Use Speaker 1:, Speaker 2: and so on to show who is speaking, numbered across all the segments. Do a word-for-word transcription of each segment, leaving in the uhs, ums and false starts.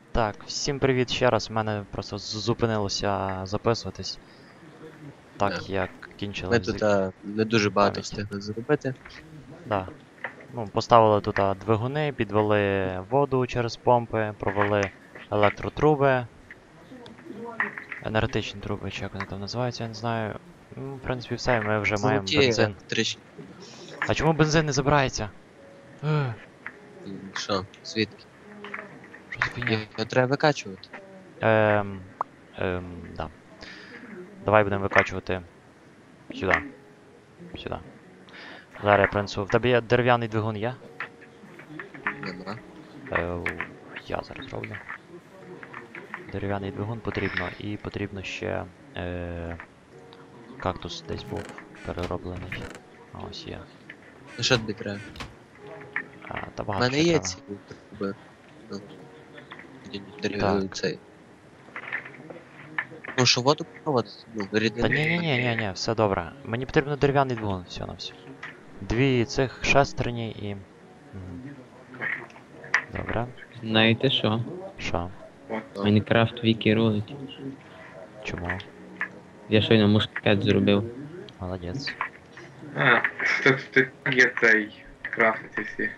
Speaker 1: Так, всім привіт ще раз. У мене просто з- зупинилося записуватись,
Speaker 2: Да.
Speaker 1: так як
Speaker 2: Ми
Speaker 1: кінчилась
Speaker 2: тут
Speaker 1: з-
Speaker 2: а, не дуже багато
Speaker 1: пам'ять.
Speaker 2: встигли зробити.
Speaker 1: Да. Ну, поставили тут а, двигуни, підвели воду через помпи, провели електротруби, енергетичні труби, чи як вони там називаються, я не знаю. Ну, в принципі, все, і ми вже маємо
Speaker 2: Золоті
Speaker 1: бензин.
Speaker 2: електричні.
Speaker 1: А чому бензин не забирається? Ех,
Speaker 2: М, Що, звідки?
Speaker 1: що за фігня?
Speaker 2: Його треба викачувати.
Speaker 1: Ем, ем, да. Давай будемо викачувати сюди. Сюди. Зараз я принесу. В тебе є дерев'яний двигун є?
Speaker 2: Нема.
Speaker 1: Е, я зараз роблю. Дерев'яний двигун потрібно і потрібно ще е, кактус десь був перероблений. А ось є.
Speaker 2: Ну що тобі треба?
Speaker 1: А, та
Speaker 2: У
Speaker 1: багато
Speaker 2: мене
Speaker 1: ще
Speaker 2: є
Speaker 1: треба.
Speaker 2: ці труби. Ну, дерев-
Speaker 1: Так.
Speaker 2: цей. Ну що воду проводити? Ну,
Speaker 1: Та
Speaker 2: рідину.
Speaker 1: ні, ні, ні, ні, ні, все добре. Мені потрібно дерев'яний двигун, все на все. Дві цих шестерні і. Мгм. Добре.
Speaker 3: Знаєте що?
Speaker 1: Що?
Speaker 3: Майнкрафт Вікі рулить.
Speaker 1: Чому?
Speaker 3: Я щойно мушкет зробив.
Speaker 1: Молодець.
Speaker 4: А, тут, тут є цей крафти всі.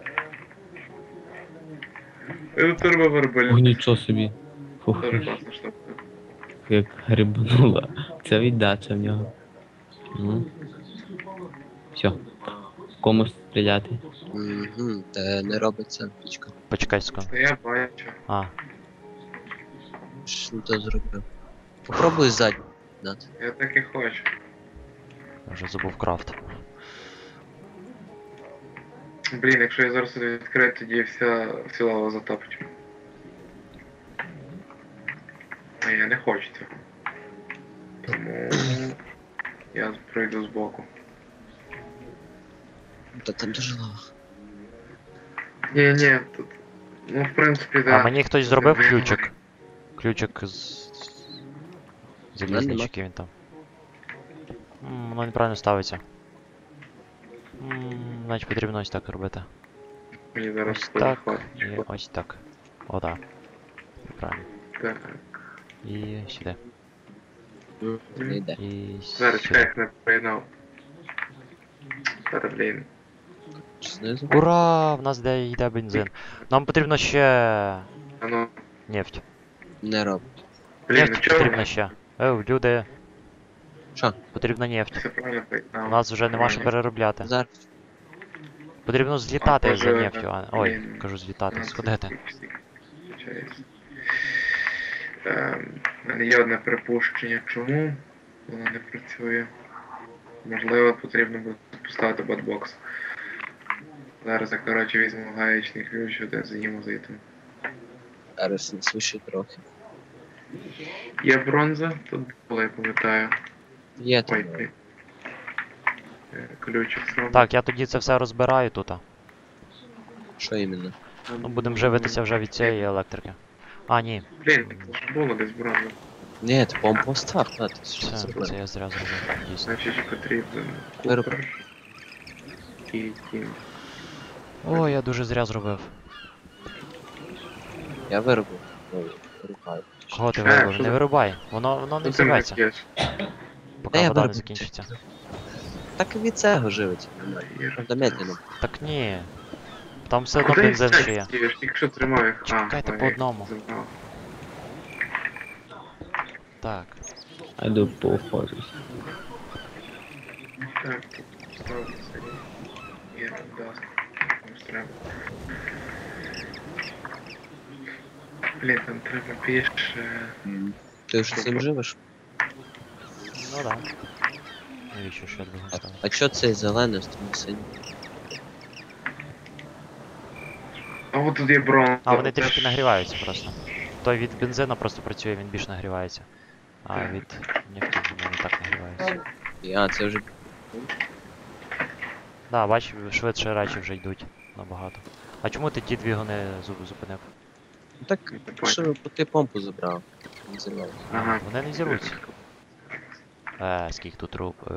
Speaker 4: Е, Турбовербаль.
Speaker 3: Ох, нічого собі. Фух,
Speaker 4: Дуже класна штука.
Speaker 3: як грибнула. Це віддача в нього. Ну. Все. Кому стріляти?
Speaker 2: Угу, та не робиться пічка.
Speaker 1: Почекай секунду.
Speaker 4: Та я бачу.
Speaker 1: А,
Speaker 2: Що то зробив? Попробуй ззаді дати.
Speaker 4: Я так і хочу.
Speaker 1: я вже забув крафт.
Speaker 4: Блін, якщо я зараз це відкрию, тоді вся, вся лава затопить. А я не хочу цього. Тому я пройду збоку.
Speaker 2: Та там дуже лава.
Speaker 4: Ні, ні, тут. Ну, в принципі,
Speaker 1: А
Speaker 4: да.
Speaker 1: мені хтось зробив ключик. Ключик з. Залізний,
Speaker 2: нема.
Speaker 1: чи який він там. М, Воно неправильно ставиться. М, Значить потрібно ось так робити.
Speaker 4: Мені зараз
Speaker 1: Ось
Speaker 4: теж
Speaker 1: так
Speaker 4: хватить.
Speaker 1: і ось так. О, так. Правильно.
Speaker 4: Так.
Speaker 1: І сюди.
Speaker 2: М, Не йде.
Speaker 1: І
Speaker 4: Зараз чекай,
Speaker 1: сюди.
Speaker 4: як не поєднав. Зараз, блін.
Speaker 2: Знизу.
Speaker 1: Ура! В нас де йде бензин. Нам потрібно ще
Speaker 4: А ну,
Speaker 1: нефть.
Speaker 2: Не робить.
Speaker 4: блін, ну
Speaker 1: Нефть
Speaker 4: чого?
Speaker 1: потрібно ще. Ев, люди,
Speaker 2: Що?
Speaker 1: потрібна нефть.
Speaker 4: Все правильно
Speaker 1: У
Speaker 4: поєднав.
Speaker 1: нас вже нема що переробляти.
Speaker 2: Зараз.
Speaker 1: Потрібно злітати
Speaker 4: А,
Speaker 1: за
Speaker 4: може,
Speaker 1: нефтю. А... Ой,
Speaker 4: блін.
Speaker 1: кажу злітати, сходити.
Speaker 4: Ем, У мене є одне припущення, чому воно не працює. Можливо, потрібно буде поставити ботбокс. Зараз я, коротше, візьму гаєчний ключ, один заїму звітом.
Speaker 2: Зараз не свише трохи.
Speaker 4: Є бронза, тут було, я пам'ятаю.
Speaker 2: Є там.
Speaker 4: Ой, блін. Е, Ключик сам.
Speaker 1: Так, я тоді це все розбираю тут.
Speaker 2: Що іменно?
Speaker 1: Ну, будемо живитися вже від цієї електрики. А, ні.
Speaker 4: Блін, так ж було десь бронза.
Speaker 2: Ні, ти помпу став, та ти що
Speaker 1: Це,
Speaker 2: зробив?
Speaker 1: це я зря зробив, дійсно.
Speaker 4: Значить, потрібен
Speaker 2: Вироб.
Speaker 4: купер і тім.
Speaker 1: О, я дуже зря зробив.
Speaker 2: Я виробив. Ой, рухаю.
Speaker 1: Кого ти
Speaker 4: Е,
Speaker 1: виробив?
Speaker 4: що
Speaker 1: Не
Speaker 4: за-
Speaker 1: вирубай. Воно, воно не
Speaker 4: Ну, ти мене
Speaker 1: взірветься,
Speaker 4: п'єш.
Speaker 1: поки
Speaker 2: Та я
Speaker 1: вода не
Speaker 2: виробив.
Speaker 1: закінчиться.
Speaker 2: Так і від цього живить.
Speaker 4: Є.
Speaker 2: Правда, медленно.
Speaker 1: Так ні. Там все одно
Speaker 4: Куди
Speaker 1: бензин
Speaker 4: це
Speaker 1: ще є.
Speaker 4: стівеш? Тільки що тримав їх.
Speaker 1: Чекайте
Speaker 4: ой,
Speaker 1: по одному.
Speaker 4: забрав.
Speaker 1: Так.
Speaker 3: А йду поохожусь.
Speaker 4: Так, тут ставлю це. Є, даст. Комусь треба. Блін, там треба більше.
Speaker 2: Ти ж цим живеш?
Speaker 1: Ну да. Навіщо ще двигун
Speaker 2: А,
Speaker 1: ставити?
Speaker 2: а що цей зелений з тим синім?
Speaker 4: А от тут є бронза.
Speaker 1: А, вони
Speaker 4: це
Speaker 1: трішки
Speaker 4: ж-
Speaker 1: нагріваються просто. Той від бензину просто працює, він більш нагрівається. А
Speaker 4: Так.
Speaker 1: від нефті він не так нагрівається.
Speaker 2: А, це вже.
Speaker 1: Да, бач, швидше речі вже йдуть набагато. А чому ти ті двигуни зу- зупинив?
Speaker 2: Ну так, що ти помпу забрав. Не зірвав.
Speaker 4: Ага.
Speaker 1: Вони не зірвуться. Е, скільки тут труб. Е,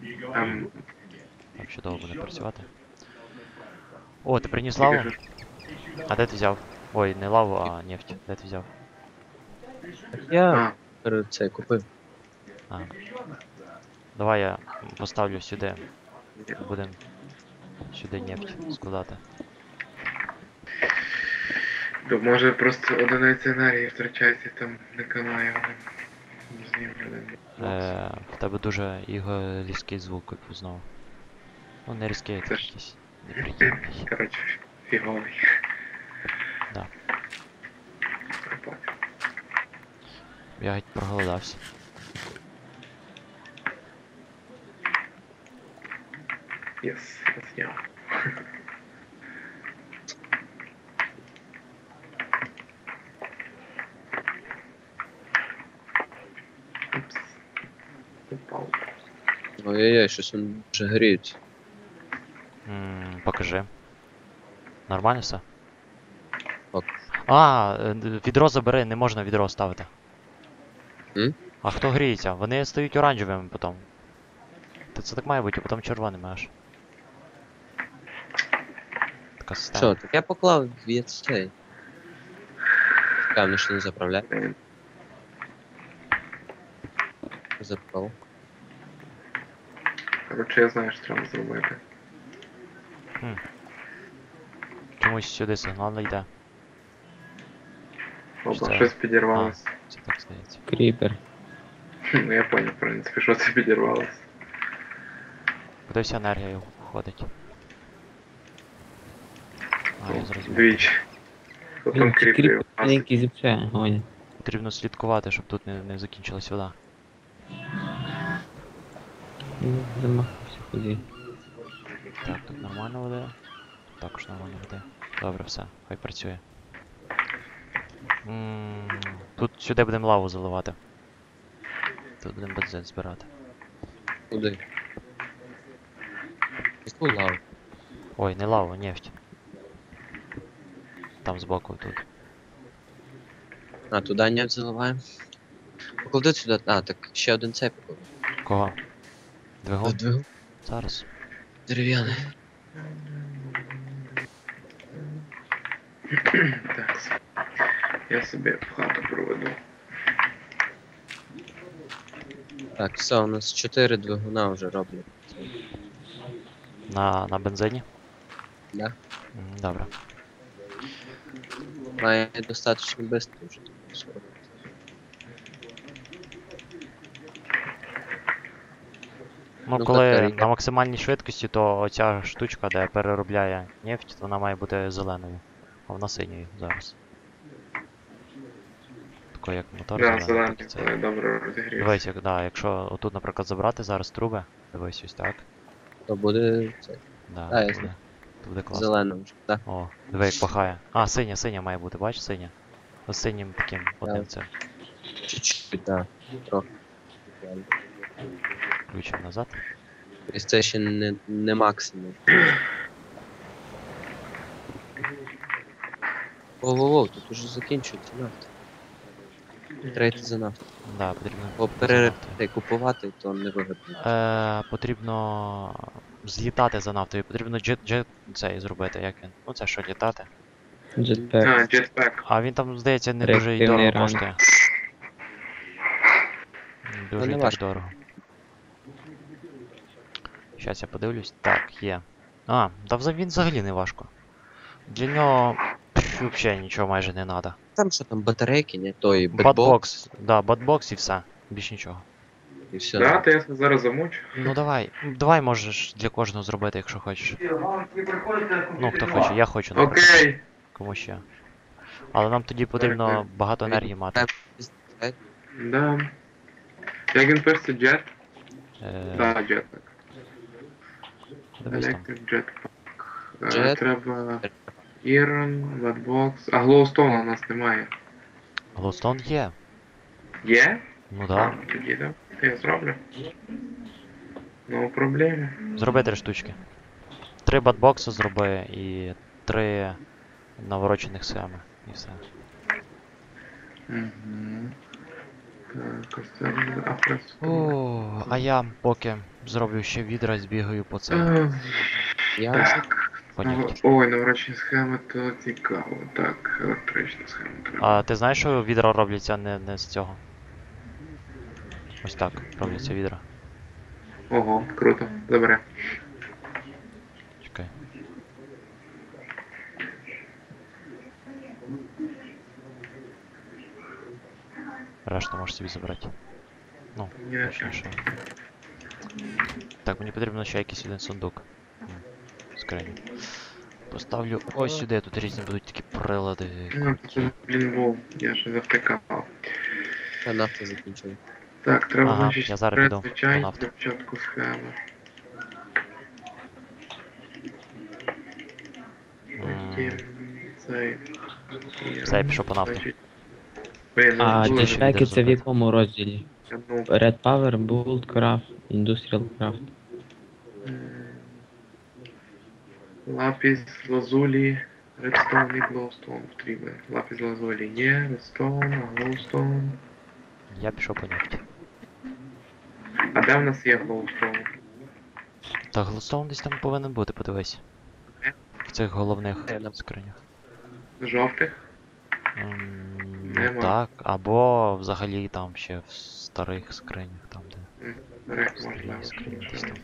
Speaker 4: Ем,
Speaker 1: так чудово буде працювати. О, ти приніс лаву?
Speaker 4: тільки що-
Speaker 1: А де ти взяв? Ой, не лаву, а нефть. Де ти взяв?
Speaker 2: Я
Speaker 4: А,
Speaker 2: перед це купив.
Speaker 1: А. Давай я поставлю сюди. Будем сюди нефть складати.
Speaker 4: то може просто одиниця енергії втрачається, там не канає вони. Знімлювали.
Speaker 1: Е, в тебе дуже його різкий звук як знову. Ну не різкий, а
Speaker 4: Це
Speaker 1: такий
Speaker 4: ж-
Speaker 1: якийсь неприємний.
Speaker 4: Коротше, фіговий.
Speaker 1: Да.
Speaker 4: Я понял.
Speaker 1: Я геть проголодався.
Speaker 4: Єс, я зняв. Упс. Упав.
Speaker 2: Ой-ой-ой, щось він вже гріється.
Speaker 1: М, покажи. Нормально все?
Speaker 2: Ок.
Speaker 1: А, е, д- відро забери, не можна відро ставити.
Speaker 2: М?
Speaker 1: А хто гріється? Вони стають оранжевими потім. Та це так має бути, а потім червоними аж. Така система.
Speaker 2: Що, так я поклав в цей. Певно, що не заправляє.
Speaker 4: Е,
Speaker 2: Заправ.
Speaker 4: Коротше, я знаю, що треба зробити.
Speaker 1: Чомусь сюди сигнал не йде.
Speaker 4: Опа,
Speaker 1: це?
Speaker 4: щось підірвалося.
Speaker 1: Це так здається.
Speaker 3: Кріпер.
Speaker 4: Ну я понял, в принципі, що це підірвалося.
Speaker 1: Куди вся енергія уходить? А, я зрозумів.
Speaker 4: Двічі. Потім
Speaker 3: Блін, ці
Speaker 4: кріплю.
Speaker 3: кріпери маленькі зіпсує, гонять.
Speaker 1: Потрібно слідкувати, щоб тут не, не закінчилась вода.
Speaker 3: Ну, замахався ході.
Speaker 1: Так, тут нормально води. Тут також нормально води. Добре, все, хай працює. М, Тут сюди будемо лаву заливати. Тут будемо бензин збирати.
Speaker 2: Куди? Яку лаву?
Speaker 1: Ой, не лаву, нефть. Там збоку тут.
Speaker 2: А, туди нефть заливаємо. Поклади сюди. А, так ще один цей поклади.
Speaker 1: Кого? Двигун?
Speaker 2: Двигун.
Speaker 1: Зараз.
Speaker 2: Дерев'яний.
Speaker 4: Так. Я собі в хату проведу.
Speaker 2: Так, все, у нас чотири двигуна вже роблять.
Speaker 1: На, на бензині?
Speaker 2: Да?
Speaker 1: М, Добре.
Speaker 2: Має достатньо швидко вже. скоро.
Speaker 1: Ну,
Speaker 2: Ну,
Speaker 1: коли
Speaker 2: батарея.
Speaker 1: на максимальній швидкості, то оця штучка, де переробляє нефть, вона має бути зеленою. А вона синьою зараз. Такою як мотор
Speaker 4: Да,
Speaker 1: зелений,
Speaker 4: зелений,
Speaker 1: так і це.
Speaker 4: коли добре розігрівся.
Speaker 1: Дивись, як, да, якщо отут, наприклад, забрати зараз труби, дивись ось так.
Speaker 2: То буде це,
Speaker 1: Да,
Speaker 2: А,
Speaker 1: то
Speaker 2: ясно.
Speaker 1: буде, то буде класно.
Speaker 2: зелено вже. Так.
Speaker 1: О, диви, як пахає. А, синя, синя має бути, бачиш, синя? Ось синім таким одним цим.
Speaker 2: Чуть-чуть, так. Трохи.
Speaker 1: Ключом назад.
Speaker 2: Тобто це ще не, не максимум. Воу-воу-воу, тут уже закінчується нафта. Треба йти за нафту.
Speaker 1: Да, потрібно.
Speaker 2: Бо
Speaker 1: за
Speaker 2: пере...
Speaker 1: нафтою.
Speaker 2: та й купувати, то не вигідно.
Speaker 1: Е, потрібно злітати за нафтою, потрібно джет, джет цей зробити, як він. Ну це що, літати.
Speaker 3: Джетпек.
Speaker 4: А, джетпек.
Speaker 1: А він там, здається, не дуже і
Speaker 3: Реактивний
Speaker 1: дорого
Speaker 3: ранг.
Speaker 1: коштує. Не Дуже
Speaker 2: не
Speaker 1: і так
Speaker 2: важко.
Speaker 1: дорого. Щас я подивлюсь. Так, є. А, та вза- він взагалі не важко. Для нього взагалі нічого майже не треба.
Speaker 2: Там що там, батарейки, не? Той бетбокс
Speaker 1: Батбокс, да, батбокс і все. Більш нічого.
Speaker 2: і все.
Speaker 4: Да, то я зараз замучу.
Speaker 1: Ну давай, давай можеш для кожного зробити, якщо хочеш. Ну, хто хоче, я хочу, наприклад.
Speaker 4: Окей.
Speaker 1: Кому ще. Але нам тоді потрібно
Speaker 4: так.
Speaker 1: багато енергії мати.
Speaker 4: Да. Як він пишеться, джет?
Speaker 1: Е,
Speaker 4: Да, джетпек.
Speaker 1: Дивись там.
Speaker 4: Electric Jetpack. Е,
Speaker 2: Jet.
Speaker 4: Треба Iron, Batbox. А Glowstone у нас немає.
Speaker 1: Глоустон є.
Speaker 4: Є?
Speaker 1: Ну
Speaker 4: А,
Speaker 1: да.
Speaker 4: тоді, да. То я зроблю. No проблеми.
Speaker 1: Зроби три штучки. Три батбокси зроби і три наворочених схеми. І все.
Speaker 4: Угу. Так, ось це буде афрес.
Speaker 1: О, а я поки зроблю ще відра, збігаю по це.
Speaker 2: Я
Speaker 4: Так.
Speaker 1: нефті.
Speaker 4: Ой, наворочені схеми, то цікаво. Так, електрична схема треба.
Speaker 1: А ти знаєш, що відра робляться не, не з цього? Ось так, робляться відра.
Speaker 4: Ого, круто. Добре.
Speaker 1: Чекай. Решту можеш собі забрати. Ну,
Speaker 4: Ні, не
Speaker 1: точніше. Так, мені потрібно ще якийсь один сундук. М, Скриню. Поставлю ось сюди, тут різні будуть такі прилади.
Speaker 4: Ну,
Speaker 1: круті.
Speaker 4: це, блін, був, я ж завтикав.
Speaker 2: Та нафта закінчили.
Speaker 4: Так, треба,
Speaker 1: Ага,
Speaker 4: значить,
Speaker 1: я зараз піду
Speaker 4: звичайно,
Speaker 1: по нафту.
Speaker 4: для початку схеми. Потім цей.
Speaker 1: Все, я пішов по нафту.
Speaker 4: Значить, блін, ну,
Speaker 3: А
Speaker 4: дуже
Speaker 3: дешеки це в
Speaker 1: зробити.
Speaker 3: якому розділі?
Speaker 4: ну,
Speaker 3: Red Power, Bolt Craft, Industrial Craft.
Speaker 4: м, Лапіс, лазулі, редстоун і глоустоун потрібен. Лапіс, лазулі є, редстоун, а глоустоун.
Speaker 1: Я пішов по нефті.
Speaker 4: А де в нас є глоустоун?
Speaker 1: Та глостоун десь там повинен бути, подивись. В цих головних
Speaker 2: Е, на-
Speaker 1: скринях.
Speaker 4: Жовтих?
Speaker 1: Ем, Ну
Speaker 4: Нема.
Speaker 1: так, або взагалі там ще в старих скринях, там де
Speaker 4: М, Старих
Speaker 1: старі
Speaker 4: можливо.
Speaker 1: скрині десь там.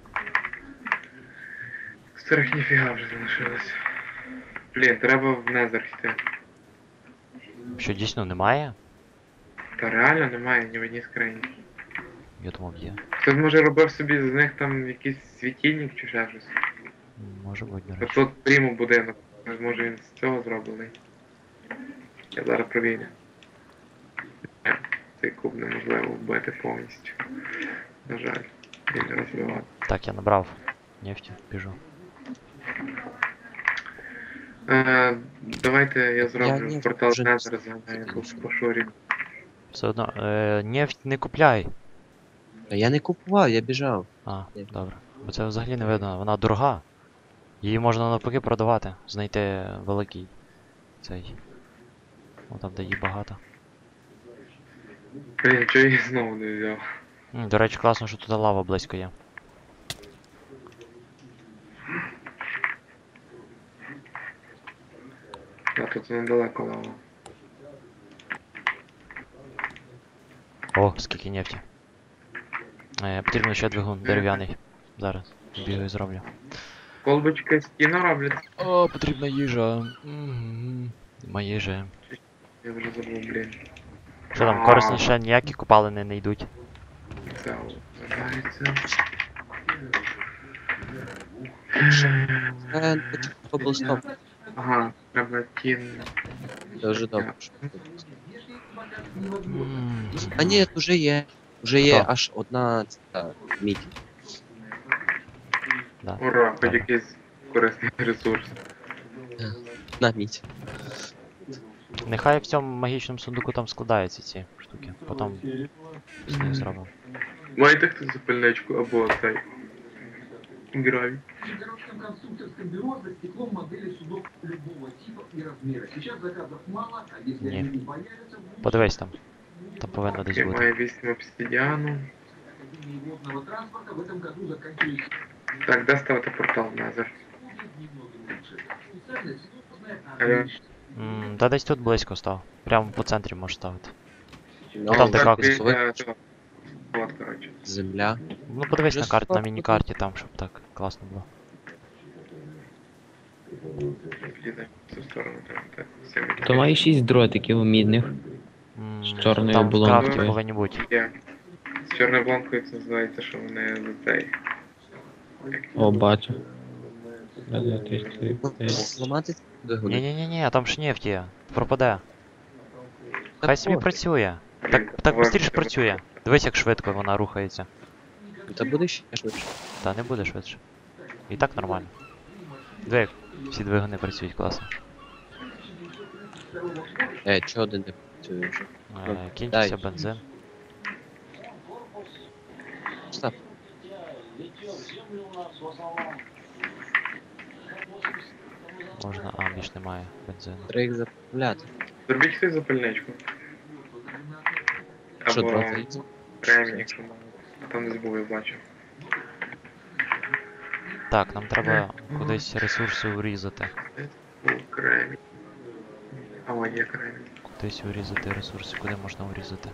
Speaker 4: Старих ніфіга вже залишилось. Блін, треба в Незер йти.
Speaker 1: Що дійсно немає?
Speaker 4: Та реально немає ні в одній скрині.
Speaker 1: Я думав є.
Speaker 4: Хтось може робив собі з них там якийсь світильник чи ще щось.
Speaker 1: М, Може бути, до
Speaker 4: А
Speaker 1: речі.
Speaker 4: тут прямо будинок. Може він з цього зроблений. Я зараз провірю. Ні, цей куб неможливо вбити повністю. На жаль, він не розбивати.
Speaker 1: Так, я набрав нефті, біжу.
Speaker 4: Е, давайте я зроблю
Speaker 2: ні,
Speaker 4: портал
Speaker 2: вже
Speaker 4: Незер за нею по шурі.
Speaker 1: Все одно, е, нефть не купляй.
Speaker 2: Та я не купував, я біжав.
Speaker 1: А,
Speaker 2: Ні.
Speaker 1: добре. Бо це взагалі не видно, вона дорога. Її можна навпаки продавати, знайти великий цей. О, там де її багато.
Speaker 4: Блін, чого я її знову не взяв?
Speaker 1: М, До речі, класно, що тут лава близько є.
Speaker 4: А тут недалеко лава.
Speaker 1: О, скільки нефті. Е, потрібно ще двигун дерев'яний. Зараз бігаю і зроблю.
Speaker 4: Колбочки з кіно роблять?
Speaker 1: О, потрібна їжа. Нема їжі.
Speaker 4: Я вже забув, блін.
Speaker 1: Що там, корисніше ніякі копалини не йдуть.
Speaker 4: Це вважається.
Speaker 2: Е, Коблстоп.
Speaker 4: Ага, треба тін.
Speaker 2: Це вже добре. що
Speaker 1: М,
Speaker 2: А ні, вже є. Вже є
Speaker 1: Хто?
Speaker 2: аж одна ця мідь.
Speaker 1: Да.
Speaker 4: Ура, хоч
Speaker 1: Добре.
Speaker 4: якийсь корисний ресурс.
Speaker 2: На мідь.
Speaker 1: Нехай в цьому магічному сундуку там складаються ці штуки. Потім з них зробимо.
Speaker 4: Маєте хтось запальничку або цей. Гравій.
Speaker 5: В городском конструкторском бюро за стеклом модели судов любого типа и размера. Сейчас заказов мало, а если
Speaker 1: Не.
Speaker 5: они не появятся, в
Speaker 1: Подивись там. Там повинно десь
Speaker 4: Я
Speaker 1: бути.
Speaker 4: маю вісім обсидіану.
Speaker 5: Академии водного транспорта в этом году заканчивается
Speaker 4: Так, де ставити портал Незер?
Speaker 5: немного лучше. Специальная сложная, а
Speaker 4: Алло.
Speaker 1: М, Та десь тут близько став. Прямо по центрі можеш ставити.
Speaker 2: Ну,
Speaker 1: там де
Speaker 4: так,
Speaker 1: кактус.
Speaker 4: біля цього. От, коротше.
Speaker 2: Земля.
Speaker 1: Ну подивись
Speaker 2: Вже
Speaker 1: на карті, на
Speaker 2: сфоткати.
Speaker 1: міні-карті там, щоб так класно було.
Speaker 4: Підійде в цю сторону, там, так. Всім
Speaker 3: То має шість дротиків мідних.
Speaker 1: М,
Speaker 3: З чорною
Speaker 1: Там в
Speaker 3: булонкою.
Speaker 1: крафті повинні бути.
Speaker 4: є. З чорною бланкою це називається, що вони за цей. Як-
Speaker 3: О, бачу. Раз, два, три, чотири,
Speaker 2: Ну,
Speaker 3: п'ять.
Speaker 2: Зламати двигун.
Speaker 1: Ні-ні-ні, там ж нефть є. Пропаде.
Speaker 2: Та
Speaker 1: Хай собі
Speaker 2: пофіг.
Speaker 1: працює.
Speaker 4: Блін,
Speaker 1: Так, так
Speaker 4: давай,
Speaker 1: швидше
Speaker 4: давай.
Speaker 1: працює. Дивись, як швидко вона рухається.
Speaker 2: Та буде ще швидше.
Speaker 1: Та не буде швидше. І так нормально. Диви, як всі двигуни працюють класно.
Speaker 2: Е, чого один не працює вже?
Speaker 1: Е, Кінчився
Speaker 2: дай.
Speaker 1: бензин.
Speaker 2: Став.
Speaker 1: Можна, а більш немає бензину.
Speaker 2: Треба їх заправляти.
Speaker 4: Зробіть хтось запальничку.
Speaker 2: Що,
Speaker 4: Або
Speaker 2: дроти?
Speaker 4: кремінь, якщо мало. А там десь був, я бачив.
Speaker 1: Так, нам треба кудись ресурси урізати.
Speaker 4: Кремінь. А, о, є кремінь.
Speaker 1: Кудись урізати ресурси, куди можна урізати?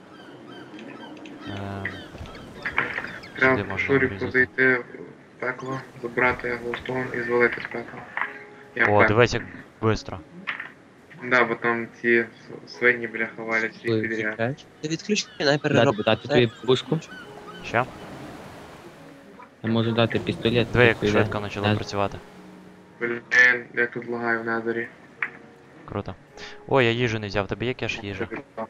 Speaker 1: Ем,
Speaker 4: Треба
Speaker 1: Сюди
Speaker 4: в
Speaker 1: можна
Speaker 4: Шуріку
Speaker 1: урізати.
Speaker 4: зайти в пекло, забрати глоустон і звалити з пекла. Я
Speaker 1: О,
Speaker 4: впевнений.
Speaker 1: дивись, як швидко.
Speaker 4: Да, бо там ці с- свині, бляха, валять всіх
Speaker 2: Коли
Speaker 4: підряд.
Speaker 2: відключаєш, ти відключення не
Speaker 3: Дати,
Speaker 2: переробити.
Speaker 3: дати тобі пушку.
Speaker 1: Що?
Speaker 3: Я можу дати пістолет.
Speaker 1: Диви, як
Speaker 3: тобі
Speaker 1: швидко
Speaker 3: дати.
Speaker 1: почало
Speaker 3: Не-
Speaker 1: працювати.
Speaker 4: Блін, як тут лагаю в Незері.
Speaker 1: Круто. Ой, я їжу не взяв, тобі є кеш їжі?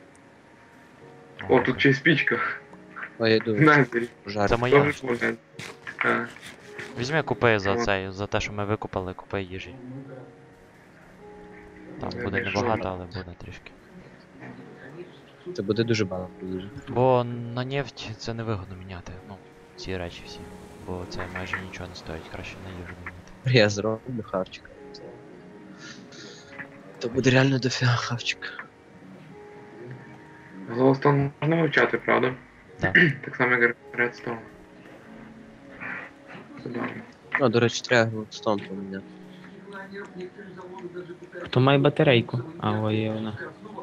Speaker 4: О, тут ще й спічка.
Speaker 2: Ой, я
Speaker 4: В
Speaker 2: йду,
Speaker 4: Незері.
Speaker 2: жарю.
Speaker 1: Це моя.
Speaker 4: Тоже був Незері. А,
Speaker 1: Візьми, купи за
Speaker 4: От.
Speaker 1: цей, за те, що ми викупили, купи їжі. Там
Speaker 4: Я
Speaker 1: буде
Speaker 4: знайшов.
Speaker 1: небагато, але буде трішки.
Speaker 2: Це буде дуже багато дуже.
Speaker 1: Бо на нефть це не вигодно міняти, ну, ці речі всі. Бо це майже нічого не стоїть, краще на їжу міняти.
Speaker 2: Я зроблю хавчик. То буде реально дофіга хавчика.
Speaker 4: Глоустон можна вивчати, правда?
Speaker 1: Да.
Speaker 4: Так само, як Редстоун. Забавно.
Speaker 2: Ну, до речі, треба глоустон поміняти.
Speaker 3: Хто має батарейку? А, ой, є вона.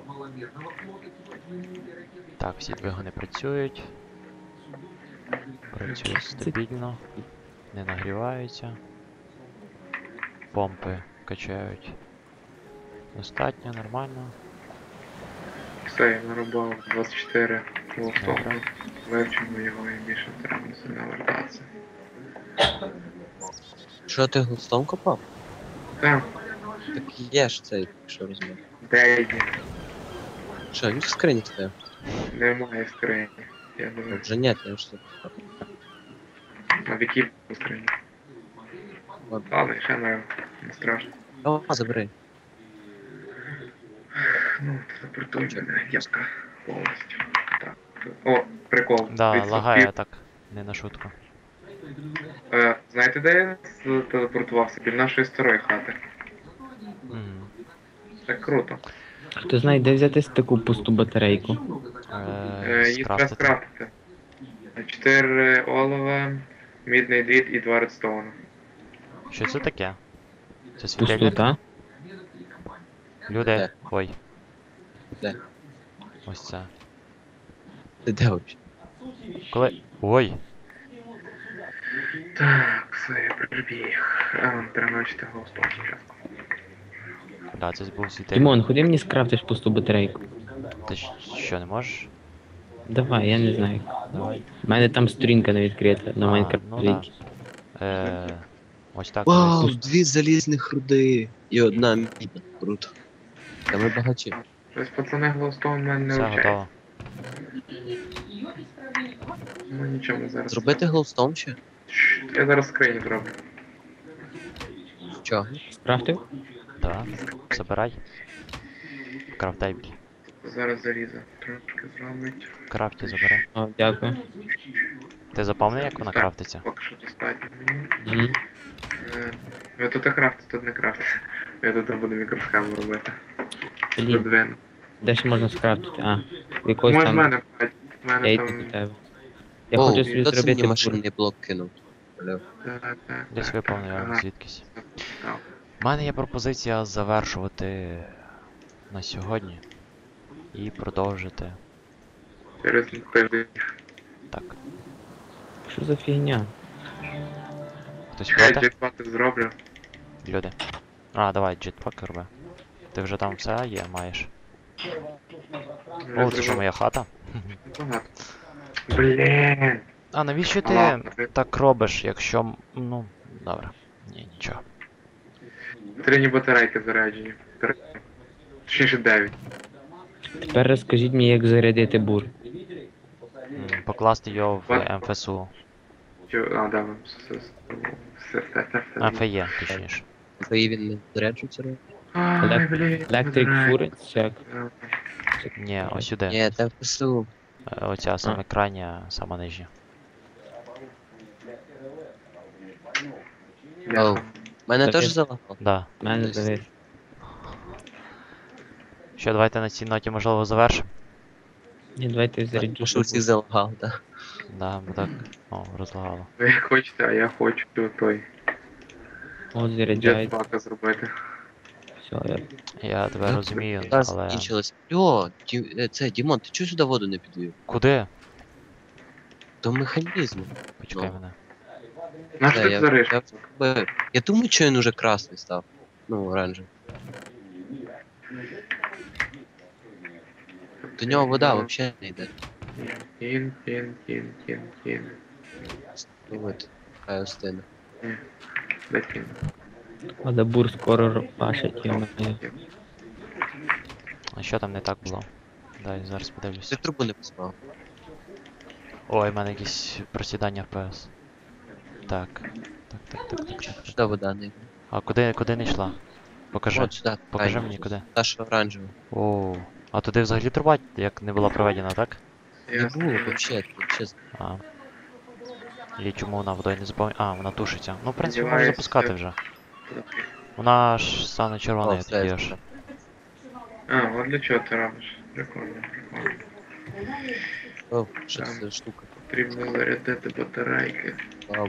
Speaker 1: Так, всі двигуни працюють. Працюють стабільно. Не нагріваються. Помпи качають. Достатньо, нормально.
Speaker 4: Все, я нарубав двадцять чотири глоустона.
Speaker 1: Добре.
Speaker 4: Вивчимо його і більше треба не сильно вертатися.
Speaker 2: Що ти глоустон копав?
Speaker 4: Так,
Speaker 2: Так є ж цей, що розмір.
Speaker 4: де є?
Speaker 2: Що, він в скрині стояв?
Speaker 4: Немає скрині. Я
Speaker 2: Ну,
Speaker 4: думаю,
Speaker 2: вже ні, я ж тут.
Speaker 4: на віки скрині.
Speaker 2: Ладно.
Speaker 4: Ладно, ще не, не страшно.
Speaker 2: О, забери.
Speaker 4: Ну, телепортуй мене, яска повністю. Так. О, прикол.
Speaker 1: Да,
Speaker 4: Відсотків.
Speaker 1: лагає так, не на шутку.
Speaker 4: Е, знаєте, де я телепортувався? Біля нашої старої хати.
Speaker 1: Мгм.
Speaker 4: Так круто.
Speaker 3: Хто знає, де взяти таку пусту батарейку?
Speaker 1: Е,
Speaker 4: Е, її треба
Speaker 1: скрафтити.
Speaker 4: скрафтити. Чотири олова, мідний дріт і два редстоуну.
Speaker 1: Що це таке? Це
Speaker 3: Пусту,
Speaker 1: світильник?
Speaker 3: та?
Speaker 1: Люди.
Speaker 2: Де?
Speaker 1: Ой.
Speaker 2: Де?
Speaker 1: Ось це.
Speaker 2: Ти де взагалі?
Speaker 1: Коли. Ой!
Speaker 4: Так, все, я прибіг. А, треба навчити глоустон спочатку.
Speaker 1: Да, це був світильник.
Speaker 3: Дімон, ходи мені скрафтиш пусту батарейку.
Speaker 1: Ти щ- що, не можеш?
Speaker 3: Давай, я не знаю.
Speaker 1: Давай.
Speaker 3: У мене там сторінка не відкрита на
Speaker 1: А,
Speaker 3: Майнкрафт.
Speaker 1: ну да. Е, ось так.
Speaker 2: Вау,
Speaker 1: колись.
Speaker 2: дві залізних руди і одна мідна. Круто. Та ми багачі.
Speaker 4: Тобто, пацани, глоустон в мене не
Speaker 1: Все
Speaker 4: вчається.
Speaker 1: готово.
Speaker 4: Ну нічого зараз.
Speaker 2: Зробити глоустон ще?
Speaker 4: Щ, Я зараз скрині зроблю.
Speaker 2: Чого?
Speaker 3: Скрафтив?
Speaker 1: Да. Забирай. Крафтейбл.
Speaker 4: Зараз залізо. Трошки зробить.
Speaker 1: Крафті забирай.
Speaker 3: О, дякую.
Speaker 1: Ти запам'ятав, як вона крафтиться?
Speaker 4: Поки що достатньо мені.
Speaker 3: Мгм.
Speaker 4: Е, Ви тут і крафтите, тут не крафтите. Я тут буду мікросхему робити.
Speaker 3: Блін,
Speaker 4: Подвину.
Speaker 3: де ще можна скрафтити? А, в якогось
Speaker 4: Може в
Speaker 3: там.
Speaker 4: мене, блядь, в
Speaker 3: Я
Speaker 4: мене
Speaker 3: йду
Speaker 4: там...
Speaker 3: до тебе. Я
Speaker 2: Оу,
Speaker 3: хочу собі
Speaker 2: хто це мені
Speaker 3: зробити бур.
Speaker 2: машинний блок кинув? Алло.
Speaker 4: Так, так,
Speaker 1: Десь
Speaker 4: так.
Speaker 1: виповнив я
Speaker 4: Ага.
Speaker 1: звідкись.
Speaker 4: Так.
Speaker 1: У мене є пропозиція завершувати на сьогодні і продовжити.
Speaker 4: Через тиждень.
Speaker 1: Так.
Speaker 3: Що за фігня?
Speaker 1: Хтось
Speaker 4: Я
Speaker 1: проти?
Speaker 4: джекпати зроблю.
Speaker 1: Люди. А, давай, джетпак роби. Ти вже там все є, маєш.
Speaker 4: Я
Speaker 1: О, це що
Speaker 4: зробив
Speaker 1: моя хата?
Speaker 4: багато. Блін.
Speaker 1: А навіщо ти
Speaker 4: Ладно,
Speaker 1: так робиш, якщо. м- Ну, добре. Ні, нічого.
Speaker 4: Три батарейки заряджені. Три. Точніше дев'ять.
Speaker 3: Тепер розкажіть мені, як зарядити бур.
Speaker 1: М, Покласти його в
Speaker 4: What?
Speaker 1: ем еф ес у.
Speaker 4: Чо- А, да, все, все, все, все, все.
Speaker 1: ем еф є, точніше.
Speaker 2: Твої він не заряджується? Ро?
Speaker 4: Ай,
Speaker 3: Елек-
Speaker 4: блін,
Speaker 3: Electric
Speaker 4: батарейки.
Speaker 3: Furnace, як?
Speaker 1: Ні, ось сюди.
Speaker 2: Ні, це в ПСУ.
Speaker 1: Е, Оця саме крайня, сама нижня.
Speaker 2: Оу. Мене
Speaker 3: Та
Speaker 2: теж
Speaker 3: ти-
Speaker 2: залагало.
Speaker 1: Да.
Speaker 3: У мене завис.
Speaker 1: Що, давайте на цій ноті можливо завершимо.
Speaker 3: Ні, давайте заряджу.
Speaker 2: Тому що всіх залагав, так.
Speaker 1: Да, бо так. О, розлагало.
Speaker 4: Ви як хочете, а я хочу той
Speaker 3: От заряджають.
Speaker 4: джетпака зробити.
Speaker 3: Все, я...
Speaker 1: Я тебе розумію,
Speaker 2: але...
Speaker 1: але.
Speaker 2: Закінчилось. Йо, Ді... е, це, Дімон, ти чого сюди воду не підвів?
Speaker 1: Куди?
Speaker 2: До механізму.
Speaker 1: Почекай
Speaker 2: Ну.
Speaker 1: мене.
Speaker 4: На
Speaker 2: Та,
Speaker 4: що ти
Speaker 2: я-
Speaker 4: зариш?
Speaker 2: я зробив. Я думаю, що він уже красний став. Ну, оранжевий. До нього вода взагалі не йде.
Speaker 4: Кін, кін, кін, кін, кін.
Speaker 2: Ну от, хай остине.
Speaker 4: Де кін?
Speaker 3: Але бур скоро пашить, я маю.
Speaker 1: А що там не так було? Дай зараз подивлюсь.
Speaker 2: Ти трубу не поспав.
Speaker 1: Ой, в мене якісь просідання еф пі ес. Так. Так, так, так, так, так.
Speaker 2: Сюди вода не йде.
Speaker 1: А куди, куди не йшла? Покажи.
Speaker 2: От сюди.
Speaker 1: Покажи
Speaker 2: крайню.
Speaker 1: мені куди.
Speaker 2: Та, що оранжева.
Speaker 1: О, а туди взагалі труба як не була проведена, так?
Speaker 2: Не
Speaker 4: Ясно.
Speaker 2: було, взагалі, взагалі.
Speaker 1: А. І чому вона водою не заповнює? А, вона тушиться. Ну, в принципі, можна
Speaker 4: Сподіваюсь,
Speaker 1: запускати
Speaker 4: це-
Speaker 1: вже. Вона ж стане червоною
Speaker 2: О, все,
Speaker 1: тоді аж.
Speaker 2: все.
Speaker 4: А, от для чого ти робиш? Прикольно, прикольно.
Speaker 2: О, що це
Speaker 4: Там.
Speaker 2: за штука?
Speaker 4: Потрібно зарядити батарейки.
Speaker 2: Слава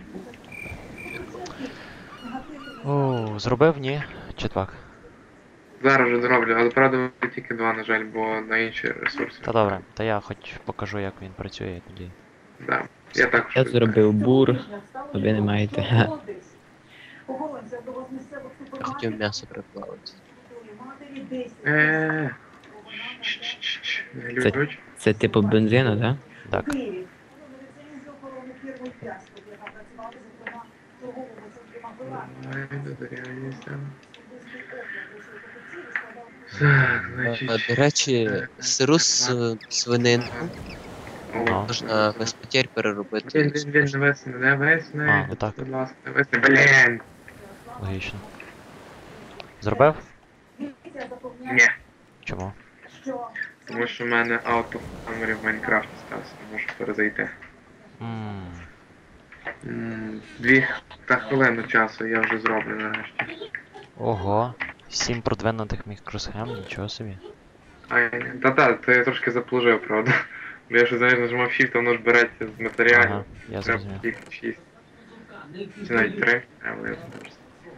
Speaker 2: Богу.
Speaker 1: О, зробив? Ні? Чи так?
Speaker 4: Зараз вже зроблю, але правда буде тільки два, на жаль, бо на інші ресурси.
Speaker 1: Та добре, та я хоч покажу, як він працює тоді.
Speaker 4: Да. Я також.
Speaker 3: Я зробив бур, а ви не маєте. Ха.
Speaker 2: Я хотів м'ясо приплавити.
Speaker 4: Е. Чш-чш-чш. Не глючуч.
Speaker 3: Це типу бензину, так?
Speaker 1: Так.
Speaker 4: Ай, додоряюся. Так,
Speaker 2: А,
Speaker 4: значить.
Speaker 2: До речі, сиру с- свининку
Speaker 1: Ну.
Speaker 2: можна без потерь
Speaker 4: Він,
Speaker 2: переробити.
Speaker 4: він, він не весне, не весне.
Speaker 1: А, ну так.
Speaker 4: Будь ласка, не весне. Блін!
Speaker 1: Логічно. Зробив?
Speaker 4: Ні.
Speaker 1: Чому?
Speaker 4: Тому що в мене auto memory в Майнкрафті стався, не можу перезайти.
Speaker 1: Ммм.
Speaker 4: М, Дві та хвилину часу я вже зроблю нарешті.
Speaker 1: Ого. Сім продвинутих мікросхем, нічого собі.
Speaker 4: Ай, та-та, це я трошки заплужив, правда. Бо я ще знаєш, нажимав Shift, а воно ж береться з матеріалів.
Speaker 1: Ага, я
Speaker 4: Треба
Speaker 1: зрозумів.
Speaker 4: тільки шість. Чи навіть три, але я зможу.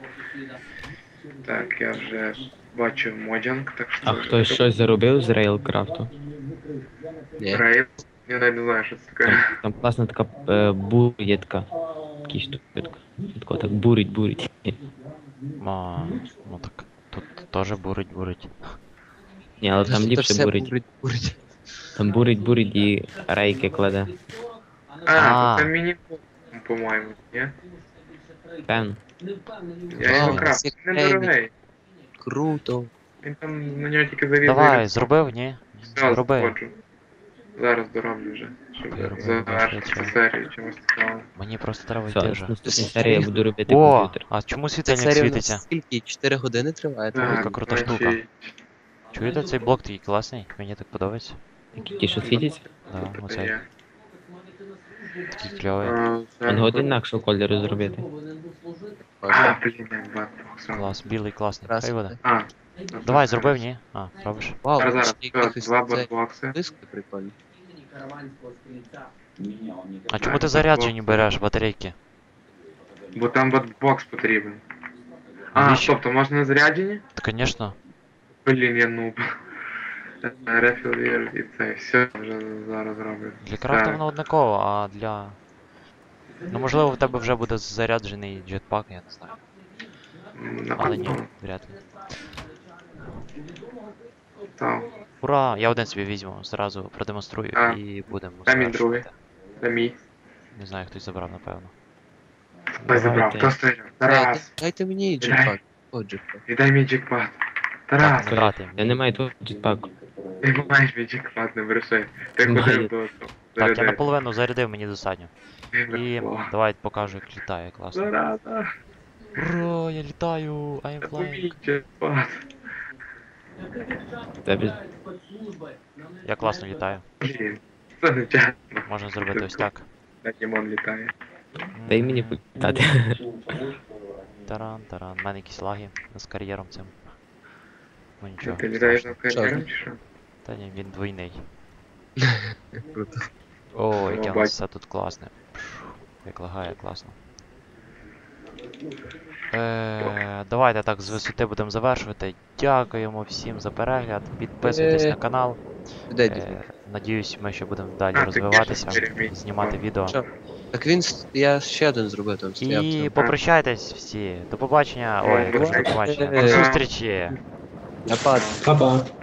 Speaker 4: Так, я вже бачу моджанг, так що...
Speaker 3: А хтось щось заробив з рейлкрафту?
Speaker 2: Ні.
Speaker 4: Рейл. Я навіть не знаю, що це таке.
Speaker 3: Там, там класна така е, бур є така. Такий штука. Тако так бурить, бурить.
Speaker 1: А, ну так. Тут теж бурить, бурить.
Speaker 3: Ні, але там
Speaker 2: Та
Speaker 3: ліпше
Speaker 2: все
Speaker 3: бурить.
Speaker 2: бурить, бурить.
Speaker 3: Там бурить, бурить і рейки кладе.
Speaker 4: А,
Speaker 1: А.
Speaker 4: то це міні по-моєму, ні?
Speaker 3: Певно.
Speaker 4: Я його
Speaker 2: Вау,
Speaker 4: крафтив,
Speaker 2: це
Speaker 4: він недорогий.
Speaker 2: Круто.
Speaker 4: Він там на нього тільки завіз.
Speaker 1: Давай, зробив, ні?
Speaker 4: Все,
Speaker 1: Зроби.
Speaker 4: заходжу. Зараз дороблю вже, щоб
Speaker 1: Я роблю,
Speaker 4: завершити
Speaker 1: бачу.
Speaker 4: серію чимось цікавим.
Speaker 1: Мені просто треба
Speaker 3: Все,
Speaker 1: йти
Speaker 3: в
Speaker 1: вже.
Speaker 3: наступній серії я буду робити
Speaker 1: О,
Speaker 3: комп'ютер.
Speaker 1: а чому
Speaker 2: Ця
Speaker 1: світильник
Speaker 2: серія у
Speaker 1: світиться?
Speaker 2: нас скільки? чотири години триває? так?
Speaker 1: яка крута штука.
Speaker 4: значить,
Speaker 1: Чуєте, цей блок такий класний? Мені так подобається.
Speaker 3: Які ті, що світяться?
Speaker 1: Да,
Speaker 4: це
Speaker 1: оцей
Speaker 4: є.
Speaker 1: такий кльовий.
Speaker 4: А,
Speaker 3: Він
Speaker 4: зараз
Speaker 3: годин інакшого кольору зробити.
Speaker 4: А, блін, я бачу.
Speaker 1: Клас, білий класний.
Speaker 2: Раз.
Speaker 1: Хай буде.
Speaker 4: А,
Speaker 1: Давай, зробив, ні? А, робиш.
Speaker 2: Вау,
Speaker 4: Зараз, зараз,
Speaker 2: ще
Speaker 4: все,
Speaker 2: якихось
Speaker 4: два
Speaker 2: це
Speaker 4: бокси.
Speaker 2: диски прикольні.
Speaker 1: А чому ти заряджені береш батарейки?
Speaker 4: Бо там бокс потрібен. А,
Speaker 1: Навіщо?
Speaker 4: стоп, то можна на заряджені?
Speaker 1: Та, звісно.
Speaker 4: Блін, я нуб. Рефіл і це, все вже зараз роблю.
Speaker 1: Для крафта
Speaker 4: Так.
Speaker 1: воно однаково, а для. Ну можливо в тебе вже буде заряджений джетпак, я не знаю.
Speaker 4: М,
Speaker 1: Але ні,
Speaker 4: напевно.
Speaker 1: вряд ли.
Speaker 4: Так,
Speaker 1: Ура! Я один собі візьму, зразу продемонструю
Speaker 4: А.
Speaker 1: і будемо
Speaker 4: Дай мій
Speaker 1: завершувати.
Speaker 4: це мій.
Speaker 1: Не знаю, хтось забрав, напевно.
Speaker 4: Хтось забрав,
Speaker 3: Робити.
Speaker 4: хто стоїть?
Speaker 2: Е,
Speaker 4: Тарас,
Speaker 2: Дайте мені джекпак. О, джекпак.
Speaker 4: віддай мій джекпот.
Speaker 1: Так,
Speaker 4: Тарас,
Speaker 1: не брати.
Speaker 3: Я не маю того джетпаку.
Speaker 4: ти маєш мій джекпот, не бреши. Ти
Speaker 3: Маю.
Speaker 4: ходив до того.
Speaker 1: Так, я
Speaker 4: заряди.
Speaker 1: наполовину зарядив, мені достатньо. І
Speaker 4: О,
Speaker 1: давай покажу, як літає, класно.
Speaker 4: Зараза,
Speaker 1: Ура, я літаю, I'm
Speaker 4: це
Speaker 1: flying.
Speaker 4: мій джекпот.
Speaker 3: Тебе
Speaker 1: Я класно літаю.
Speaker 4: Блін, це не чесно.
Speaker 1: Можна зробити ось так.
Speaker 4: Так Дімон літає.
Speaker 3: дай мені політати.
Speaker 1: Таран, таран. У мене якісь лаги з кар'єром цим. Ну нічого.
Speaker 4: Ти літаєш
Speaker 1: страшного.
Speaker 4: на кар'єром чи що?
Speaker 1: Та ні, він двойний.
Speaker 2: Круто.
Speaker 1: О, яке у
Speaker 4: бать.
Speaker 1: нас все тут класне. Як лагає, класно. Е, давайте так з висоти будемо завершувати. Дякуємо всім за перегляд. Підписуйтесь на канал.
Speaker 2: Де дід?
Speaker 1: Е, надіюсь, ми ще будемо далі
Speaker 4: А, ти
Speaker 1: розвиватися,
Speaker 4: кажеш, Jeremy.
Speaker 1: знімати відео.
Speaker 2: Що? Так він, с- я ще один зробив там стояв.
Speaker 1: І
Speaker 2: там.
Speaker 1: попрощайтесь всі. До побачення. Ой,
Speaker 4: До
Speaker 1: кажу, до побачення. До
Speaker 2: побачення.
Speaker 1: зустрічі.
Speaker 2: Я падаю.
Speaker 3: Па-па.